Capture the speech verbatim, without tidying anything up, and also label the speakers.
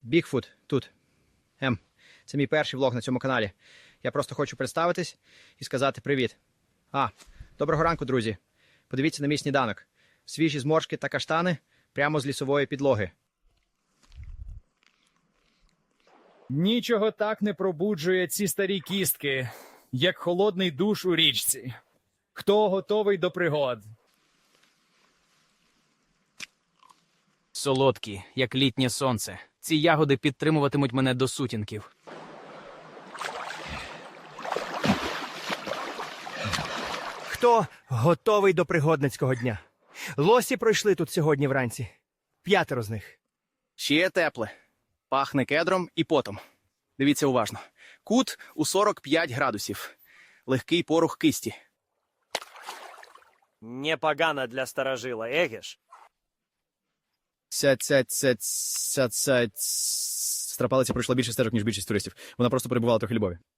Speaker 1: Бігфут тут. Ем, це мій перший влог на цьому каналі. Я просто хочу представитись і сказати привіт. А, доброго ранку, друзі. Подивіться на мій сніданок. Свіжі зморшки та каштани прямо з лісової підлоги.
Speaker 2: Нічого так не пробуджує ці старі кістки, як холодний душ у річці. Хто готовий до пригод?
Speaker 3: Солодкі, як літнє сонце. Ці ягоди підтримуватимуть мене до сутінків.
Speaker 4: Хто готовий до пригодницького дня? Лосі пройшли тут сьогодні вранці. П'ятеро з них.
Speaker 5: Ще тепле. Пахне кедром і потом. Дивіться уважно. Кут у сорок п'ять градусів. Легкий порух кисті.
Speaker 6: Непогано для старожила, егеш?
Speaker 1: Ця, ця, ця, ця, ця, Страпалиця пройшла більше стежок, ніж більшість туристів. Вона просто перебувала трохи любові.